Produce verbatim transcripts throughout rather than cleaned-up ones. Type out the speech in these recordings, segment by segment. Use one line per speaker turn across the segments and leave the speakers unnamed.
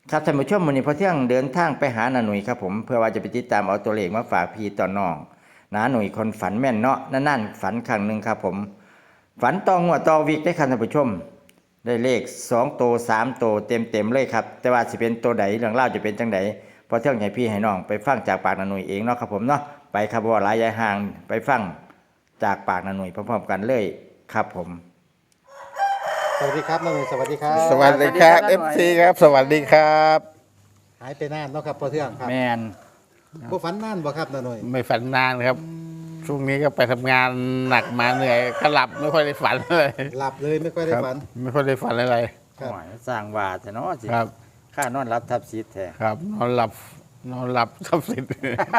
ครับท่านผู้ชมวันนี้พอเที่ยงเดินทางไปหานาหนุ่ยครับผมเพื่อว่าจะไปติดตามเอาตัวเลขมาฝากพี่ต่อน้องนาหนุ่ยคนฝันแม่นเนาะนั่นๆฝันครั้งหนึ่งครับผมฝันต่องวดต่อวิกได้ครับท่านผู้ชมได้เลขสองโตสามโตเต็มเต็มเลยครับแต่ว่าสิเป็นตัวใดเรื่องเล่าจะเป็นจังไดพอเที่ยงให้พี่ให้น้องไปฟังจากปากนาหนุ่ยเองเนาะครับผมเนาะไปครับว่าหลายยายห่างไปฟังจากปากนาหนุ่ยพร้อมๆกันเลยครับผม
สวัสดีครับน้องหนุ่ยสวัสดีครับ
สวัสดีครับ
สวัสดีครับ
เอฟ ซี ครับ สวัสดีครับ
หายไปนานเนาะครับพอเทื่องครับ
แมน
ผู้ฝันนานบ่ครับน้องหนุ่ย
ไม่ฝันนานครับ ช่วงนี้ก็ไปทำงานหนักมาเหนื่อยก็หลับไม่ค่อยได้ฝันเลย
หลับเลยไม่ค่อยได้
ครับ
ฝัน
ไม่ค่อยได้ฝันอะไร
ครับ
หวยสร้างว่าแต่เนาะสิ
ครับ
ค่านอนรับทับซีดแท้
ครับ นอนหลับ นอนหลับทับสิทธิ์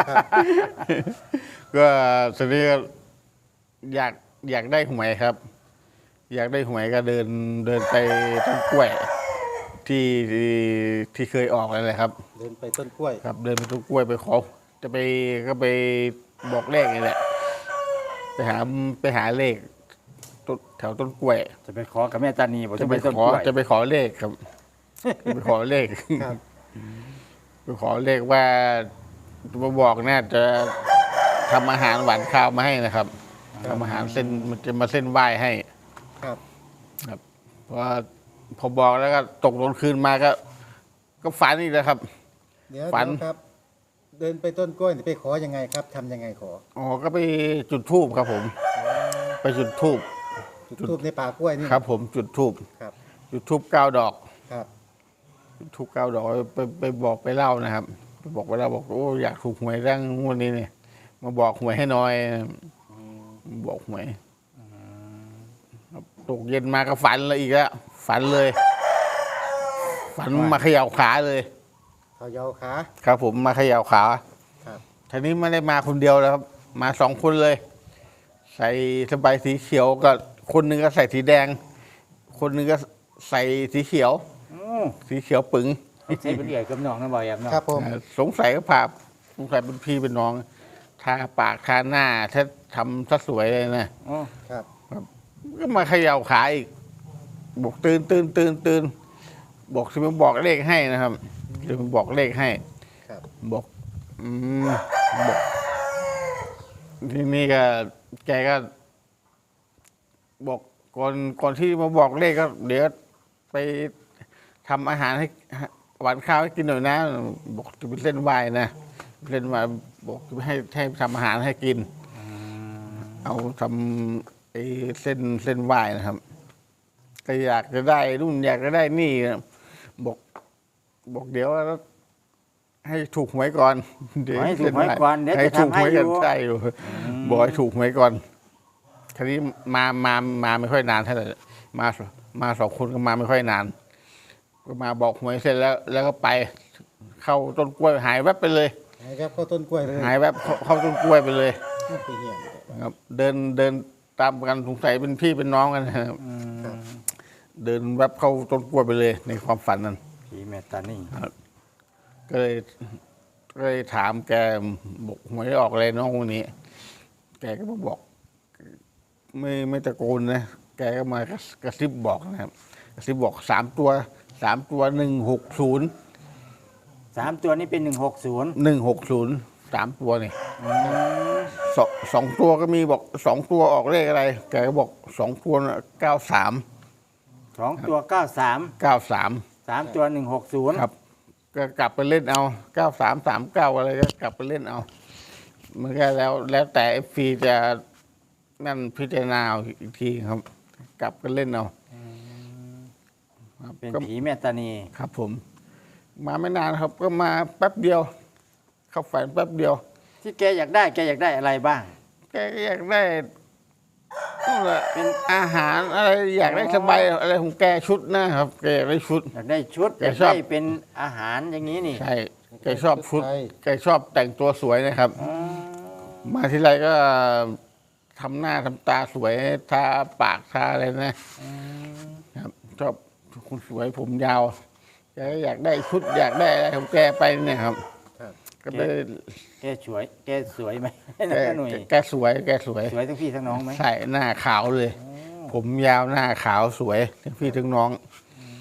ก็ทีนี้ก็อยากอยากได้หวยครับ อยากได้หวยก็เดินเดินไปต้นกล้วย ที่ที่ที่เคยออกอะไรเลยครับ
เดินไปต้นกล้วย
ครับเดินไปต้นกล้วยไปขอจะไปก็ไปบอกเลขนี่แหละไปหาไปหาเลขต้นแถวต้นกล้วย
จะไปขอกับแม่ตานีบอก
จะ
จะ
ไป
ไปต้น
ขอก
ล้วย
จะไปขอเลขครับจะไปขอเลข
ครับ
ไปขอเลขว่าจะมาบอกน่าจะทำอาหารหวานข้าวมาให้นะครับทำอาหารเส้นมันจะมาเส้นไหว้ให้
ครับ
ครับเพราะว่าพอบอกแล้วก็ตกตอนคืนมาก็ ก็ฝันอีกแล้วครับ
เดี๋ยว
ฝัน
เดี๋ยวครับ เดินไปต้นกล้วยนี่ไปขอยังไงครับทำยังไงขอ
อ๋อก็ไปจุดธูปครับผม ไปจุดธูป
จุดทูบในป่ากล้วยนี่
ครับ ผมจุดธูป
ครับ
จุดธูปเก้าดอก
ครับ
จุดธูปเก้าดอกไปไปบอกไปเล่านะครับไปบอกไปเล่าบอกโอ้อยากถูกหวยเรื่องงวดนี้เนี่ยมาบอกหวยให้หน่อยบอกหวยครับตกเย็นมาก็ฝันเลยอีกแล้วฝันเลย ฝันมาเขย่าขาเลย
เขายาวขา
ครับผมมาเขย่าขา
ครับ
ทีนี้ไม่ได้มาคนเดียวแล้วครับ มาสองคนเลย ใส่สบายสีเขียวก็คนหนึ่งก็ใส่สีแดง คนหนึ่งก็ใส่สีเขียว
อือ
สีเขียวปึง
ใช่เป็นเอื่อยกับน้องนะบ่อยครับน้อง
ครับผม
อ่าสงสัยก็ผ่าสงสัยเป็นพี่เป็นน้องทาปากทาหน้าถ้าทำซะสวยเลยนะ
อ๋อ
ครับ
ก็มาเขย่าขาอีกบอกตื่นตื่นตื่นตื่นบอกจะมาบอกเลขให้นะครับจะมาบอกเลขให้
ครับ
บอกอืมบอกทีนี้ก็แกก็ บอกก่อนก่อนที่มาบอกเลขก็ เดี๋ยวไปทำอาหารให้หวานข้าวให้กินหน่อยนะ บอกจะเป็นเส้นไหวนะเส้นไหวบอกจะให้ให้ทำอาหารให้กิน เอาทำไอ้เส้นเส้นไหวนะครับ ก็อยากจะได้รุ่นอยากจะได้นี่นะบอก บอกเดี๋ยวให้ถูกหวยก่อนเดี๋ยว
ให้ถูกหวยก่อนเดี๋ยว
ให้
จะ
ถูก
ทำ
ห
ให้
วย
อ
กัน
ยู่
ใช่อยู่บอกให้ถูกหวยก่อนทีนี้มามามาไม่ค่อยนานเท่าไหร่มามาสองคนก็มาไม่ค่อยนาน ก็มาบอกหวยเสร็จแล้ว แล้วก็ไป เข้าต้นกล้วยหายแวบไปเลย
หายครับเข้าต้นกล้วยเลย
หายแวบเข้าเข้าต้นกล้วยไปเลย
ไปเหี้ยน
ครับ เดินเดินตามกันสงสัยเป็นพี่เป็นน้องกันนะครับ
ครับ
เดินแวบเข้าต้นกล้วยไปเลย ในความฝันนั้น
ผีแม่ตานี
ก็เลยก็เลยถามแกบอกหวยออกอะไรน้องคนนี้ แกก็มาบอก ไม่ไม่ตะโกนนะแกก็มากระกระซิบบอกนะครับกระซิบบอกสามตัวสามตัวหนึ่งหกศูนย์
สามตัวนี้เป็นหนึ่งหกศูนย์
หนึ่งหกศูนย์สามตัวนี่สองสองตัวก็มีบอกสองตัวออกเลขอะไร แกก็บอกสองตัวเก้าสาม
สองตัวเก้าสาม
เก้าสาม
สามตัวหนึ่งหกศูนย์
ครับ ก็กลับไปเล่นเอาเก้าสามสามเก้าอะไรก็กลับไปเล่นเอา มันก็แล้วแล้วแต่เอฟซีจะนั่นพิจารณาเอาอีกทีครับ กลับกันเล่นเอาครับ
เป็น
ก็
ผีแม่ตานี
ครับผม มาไม่นานครับ ก็มาแป๊บเดียว เข้าฝันแป๊บเดียว
ที่แกอยากได้แกอยากได้อะไรบ้าง
แกก็อยากได้นั่นแหละเป็นอาหารอะไรอยากได้สบายอะไรของแกชุดนะครับแกอยากได้ชุด
อยากได้ชุด
แก
อยาก
ชอบ
ได้เป็นอาหารอย่างนี้นี่
ใช่แกชอบชุดแกชอบแต่งตัวสวยนะครับ มาที่ไรก็ทำหน้าทำตาสวยทาปากทาอะไรนะครับ ชอบคนสวยผมยาวแกก็อยากได้ชุด อยากได้อะไรของแกไปเนี่ยครับ
ครับ
ก็ไป
แกสวย แกสวยไหม
แก
น้าหนุ่ย
แกสวย แกสวย
สวยทั้งพี่ทั้งน้องไหม
ใช่หน้าขาวเลย ผมยาวหน้าขาวสวยทั้งพี่ทั้งน้อง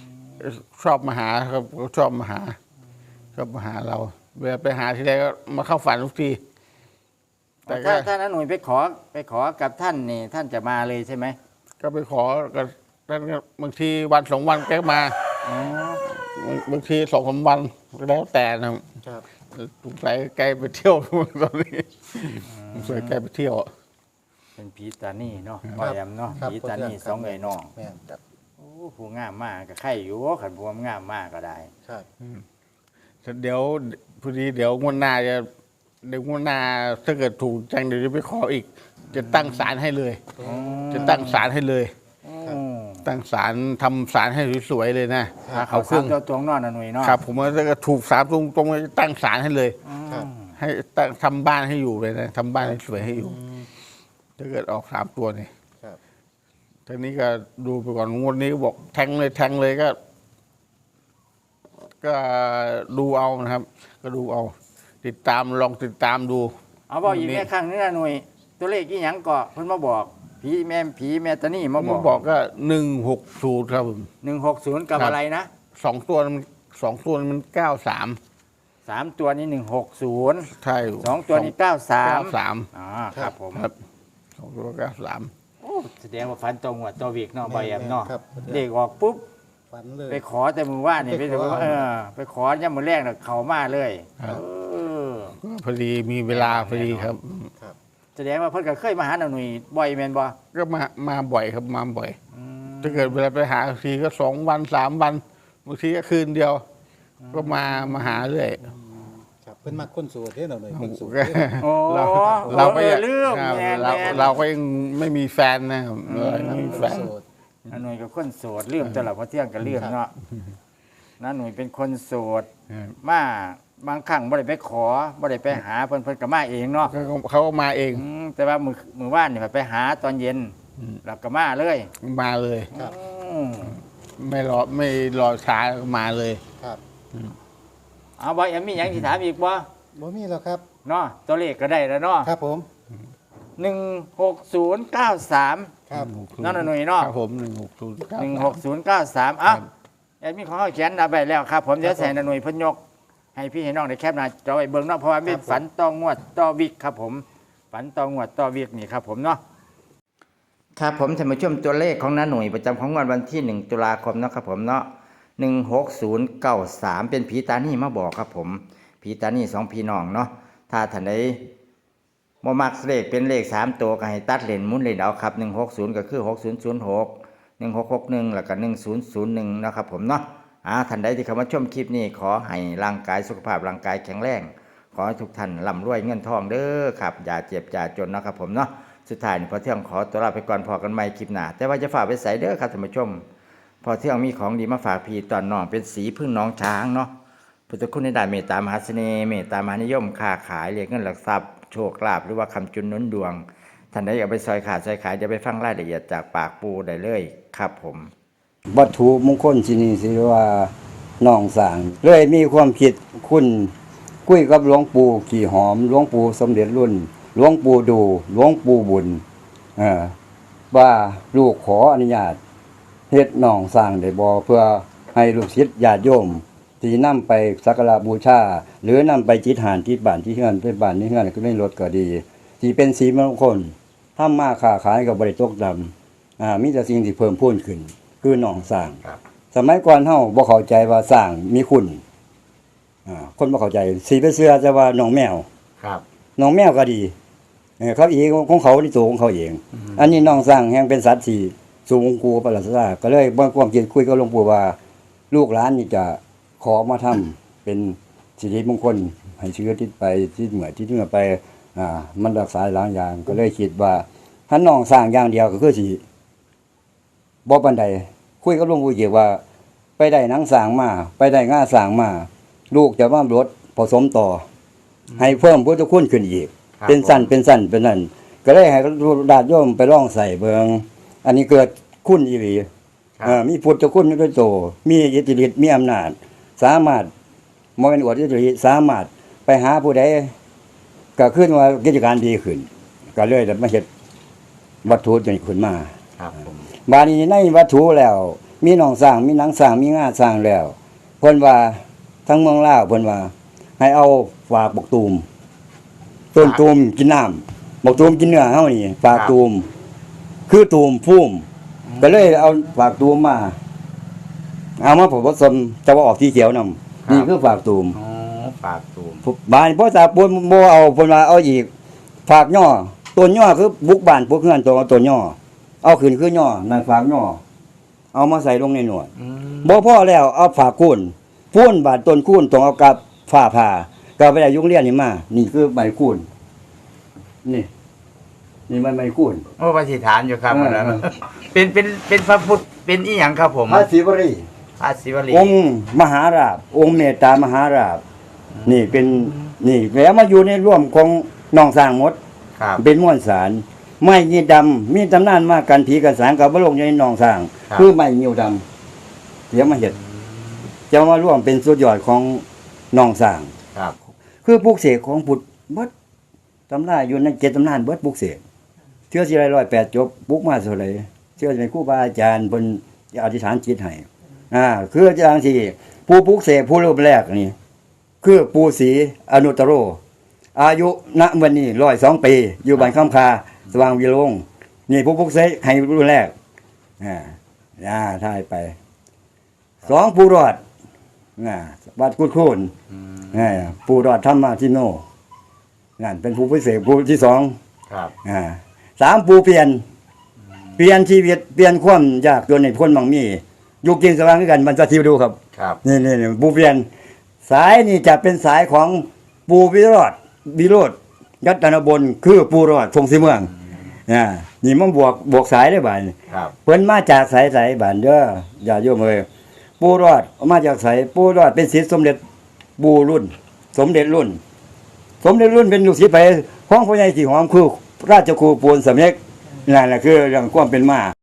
ชอบมาหาครับเขาชอบมาหาชอบมาหาเราเวลาไปหาทีไรก็มาเข้าฝันทุกทีแต่ก็
ถ้าถ้าน้าหนุ่ยไปขอไปขอกับท่านนี่ท่านจะมาเลยใช่ไหม
ก็ไปขอกับท่านก็บางทีวันสองวันแกก็มา
อ๋อบ
างบางทีสองสามวันแล้วแต่นะครับ
ครับ
สงสัยแกไปเที่ยว ตอนนี้สงสัยแกไปเที่ยว
เป็นผีตานี่เนาะบ่แอมเนาะ
ครับ
ผีตานี่สองเอ๋ยน้อง
แม่นครับ
โอ้ผู้งามมากก็ใครอยู่ขันพวมงามมากก็ได้
ครับ
เดี๋ยวพอดีเดี๋ยวงวดหน้าจะเดี๋ยวงวดหน้าถ้าเกิดถูกจังเดี๋ยวจะไปขออีก จะตั้งศาลให้เลย จะตั้งศาลให้เลย
อืม
ตั้งศาลทำศาลให้สวยๆเลยนะ
ถ้า
เอา
เขา
เครื่
สา
อ
ม
ง
ตัวตรงเนอนนะหนุ่ยเนาะ
ครับ ผมว่าถ้าเกิดถูกสามตรงตรงๆจะตั้งศาลให้เลย
ครับ
ให้ตั้งทำบ้านให้อยู่เลยนะทำบ้านให้สวยให้อยู่ถ้าเกิดออกสามตัวนี่
ครับ
ทีนี้ก็ดูไปก่อนงวดนี้ก็บอกแทงเลยแทงเลยก็ ก็ดูเอานะครับ ก็ดูเอา ติดตามลองติดตามดู
เอาบอกอีก
นี่
แม่ครั้งนึงนะหนุ่ยตัวเลขกี่หยังเกาะเพิ่นมาบอกผีแม่ผีแม่ตานี่มาบ
มา
อก
บอกก็หนึ่งหกศูนย์ครับผม
หนึ่งหกศูนย์กับ
ครับ
อะไรนะ
สองตัวมันสองตัวมันเก้าสาม
สามตัวนี้หนึ่งหกศูนย์
ใช่
สองตัวนี้เก้าสาม
เก้าสาม
อ๋อครับผม
ครับสองตัวเก้าสาม
โอ้แสดงว่าฟันตรงหัวตัววิกเนาะใบแอมเนาะ
ครับ
เด็กออกปุ๊บ
ฝันเลย
ไปขอแต่มือว่านนี่
ไป
ไป
ขอ
ถึงว่าเออไปขอย่ำมือแรกน่ะเขามาเลยเออ
ก็พอดีมีเวลาพอดีครับ
ครับ
แสดงว่าเพิ่นก็เคยมาหาหน่อยบ่อยแม่นบ่
ก็มามาบ่อยครับมาบ่อย
อืม
ถ้าเกิดเวลาไปหาทีก็สองวันสามวันบางทีก็คืนเดียว ก็มามาหาเรื่อย
ครับเพิ่นมักคนโสดเด้อหน่อยคนโสด
ก็
โอ้
เราเราก็
เอ
ยั
อง ลืม
ครับ
แม่น
เรา
แม่น
เราก็ยังไม่มีแฟนนะครับเรายังไม่มีแฟน
โสด
น้าหนุ่ยก็คนโสดลืมตลอดเพราะเที่ยงก็ลืมเนาะน้าหนุ่ยเป็นคนโสดมาบางครั้งบ่ได้ไปขอบ่ได้ไปหาเพิ่นเพิ่นก็มาเองเนาะ
เขาก็เขาก็มาเอง
อืมแต่ว่ามือมือว่านนี่ไปหาตอนเย็นแล้วก็มาเลย
มาเลย
ครับ
อืม
ไม่รอไม่รอช้าก็มาเลย
ครับ
เอาบ่ยังมีหยังที่ถามอีกบ่
บ่มีแล้วครับ
เนาะตัวเลขก็ได้แล้วเนาะ
ครับผม
หนึ่งหกศูนย์เก้าสาม
ครับ
นั่นน่ะหน่วยเนาะ
ครับผมหนึ่งหกศูนย์
หนึ่งหกศูนย์เก้าสามอ่ะแอดมินของเขาเขียนเอาไปแล้วครับ ผมเดี๋ยวใส่หน่วยเพิ่นยก ให้พี่ให้น้องได้แคปหน้าจอไว้เบิ่งเนาะเพราะว่าเป็นฝันต่องวดต่อวิกครับผม ฝันต่องวดต่อวิกนี่ครับผมเนาะครับผมท่านผู้ชมตัวเลขของน้าหน่วยประจำของวันวันที่หนึ่งตุลาคมเนาะครับผมเนาะหนึ่งหกศูนย์เก้าสามเป็นผีตานี่มาบอกครับผมผีตานี่สองพี่น้องเนาะถ้าท่านใดบ่มักเลขเป็นเลขสามตัวก็ให้ตัดเลนหมุนเลนเอาครับหนึ่งหกศูนย์ก็คือหกศูนย์ศูนย์หกหนึ่งหกหกหนึ่งแล้วก็หนึ่งศูนย์ศูนย์หนึ่งนะครับผมเนาะอ่าท่านใดที่เข้ามาชมคลิปนี้ขอให้ร่างกายสุขภาพร่างกายแข็งแรงขอให้ทุกท่านร่ำรวยเงินทองเด้อครับอย่าเจ็บอย่าจนนะครับผมเนาะสุดท้ายนี่พอเที่ยงขอตัวลาไปก่อนพอกันใหม่คลิปหน้าแต่ว่าจะฝากไปใส่เด้อครับท่านผู้ชมพอเที่ยงมีของดีมาฝากพี่ตอนน้องเป็นสีพึ่งน้องช้างเนาะพุทธคุณในด้านเมตตามหาเสน่ห์เมตตามหานิยมค้าขายเรียกเงินหลักทรัพย์โชคลาภหรือว่าคำจุนหนุนดวงท่านใดอยากไปซอยขาดซอยขายจะไปฟังรายละเอียดจากปากปูได้เลยครับผม
วัตถุมงคลที่นี่สิว่าน้องสางเลยมีความคิดคุณคุยกับหลวงปู่ขี่หอมหลวงปู่สมเด็จรุ่นหลวงปู่ดูหลวงปู่บุญเออว่าลูกขออนุญาตเฮ็ดน้องสร้างได้บ่เพื่อให้ลูกศิษย์ญาติโยมที่นำไปสักการะบูชาหรือนำไปจิตหานที่บ้านที่เฮือนไปบ้านที่เฮือนก็ได้รถก็ดีที่เป็นสีมงคลทำมาค้าขายก็บ่ได้ตกต่ำอ่ามีแต่สิ่งที่เพิ่มพูนขึ้นคือน้องสร้างสมัยก่อนเฮาบ่เข้าใจว่าสร้างมีคุณอ่าคนบ่เข้าใจสิไปเชื่อแต่ว่าน้องแมว
ครับ
น้องแมวก็ดีเออเขาเองของเขาในตัวของเขาเอง อันนี้น้องสร้างแห่งเป็นสัตว์ที่สูงกูประหลาดซาก็เลยบ่ความคิดคุยกับหลวงปู่ว่า ลูกหลานนี่จะขอมาทำเป็นสิริมงคลให้เชื้อติดไปที่เหมือที่เหมือไปอ่ามันรักษาหลายอย่างก็เลยคิดว่าถ้าน้องสร้างอย่างเดียวก็คือสิบ่ปานใดคุยกับหลวงปู่เกี่ยวว่า ไปได้หนังสร้างมาไปได้ง่าสร้างมาลูกจะมาลดผสมต่อ ให้เพิ่มพุทธคุณขึ้นอีก
ครับ
เป็นสั้นเป็นสั้นเป็นนั่นก็ได้ให้ดาษโยมไปล่องใส่เบิงอันนี้เกิดคุณอีหลีเอ่อมีพุทธคุณด้วยโตมีอิทธิฤทธิ์มีอำนาจ สามารถบ่เป็นอวดอิทธิฤทธิ์สามารถไปหาผู้ใดก็ขึ้นว่ากิจการดีขึ้น ก็เลยได้มาเฮ็ดวัตถุนี้ขึ้นมา
ครับผม
บาดนี้ในวัตถุแล้วมีหนองสร้างมีหนังสร้างมีงาสร้างแล้วเพิ่นว่าทั้งเมืองลาวเพิ่นว่า ให้เอาฝากบักตูมต้นตูมกินน้ำบักตูมกินเนื้อเฮานี่ฝากตูมคือตูมพุ่มก็เลยเอาฝากตูมมาเอามาผสมจะว่าออกสีเขียวนำนี่คือฝากตูม
อ๋อฝากตูม
บ้านพ่อตาปนบ่เอาเพิ่นว่าเอาอีกฝากย่อต้นย่อคือบุกบ้านพวกเฮือนตัวเอาต้นย่อเอาขึ้นคือย่อนั่นฝากย่อเอามาใส่ลงในหนวด
อืม
บ่พอแล้วเอาฝากคูนพูนบาดต้นคูนต้องเอากับฝ้าผ่าก็ไปได้ยุงเรียนนี่มา นี่คือใบคูนนี่ นี่มันใบคูน
โอ้ปฏิฐานอยู่ครับ
เออ
แล้ว
เออ
เป็นเป็นเป็นพระพุทธเป็นอีหยังครับผม
พระศิวรี
พระศิวลี
องค์มหาราชองค์เมตตามหาราชนี่เป็นนี่แล้วมาอยู่ในร่วมของน้องสร้างหมด
ครับ
เป็นม้วนสารไม้ยีดำมีตำนานมากันผีกันสางกับบลงในหนองสร้าง
ครับ
คือไม้ยิวดำเสียมาเห็ดจะมาร่วมเป็นสุดยอดของหนองสร้าง
ครับ
คือปลูกเสกของพุทธเบิดตำราอยู่ในเจ็ดตำนานเบิดปลูกเสกเชื่อสิไรร้อยแปดจบปลูกมาเท่าไหร่เชื่อเป็นครูบาอาจารย์บนอธิษฐานจิตให้อ่าคืออาจารย์ที่ผู้ปลูกเสกผู้รูปแรกนี่คือปู่ศรีอนุตตโร อายุณวันนี้ร้อยสองปี อยู่บ้านข้ามคาสว่างวิโรงนี่ผู้พุกเสกให้รุ่นแรกอ่าอ่าถ่ายไปสองปูรอดอ่าวัดกุดโคนอ่าปูรอดธรรมาทิโนนั่นเป็นผู้พิเศษผู้ที่สอง
ครับ
อ่าสามปูเปลี่ยน เปลี่ยนชีวิตเปลี่ยนความยากจนในพ้นบางมีอยู่กินสว่างด้วยกันมันจะทิวดูครับ
ครับ
นี่นี่นี่ปูเปลี่ยน สายนี่จะเป็นสายของปูวิโรธวิโรธยัตนบลคือปูรอดพงศรีเมืองอ่านี่มันบวกบวกสายได้บ่ายนี่
ครับ
เพิ่นมาจากสายสายบ้านเด้ออย่าโยมเอ้ยปูรอดมาจากสายปูรอดเป็นศิษย์สมเด็จปูรุ่น สมเด็จรุ่น สมเด็จรุ่นเป็นลูกศิษย์ไปของพ่อใหญ่สีหอมคือราชครูปูนสำเร็จนั่นแหละคือเรื่องความเป็นมา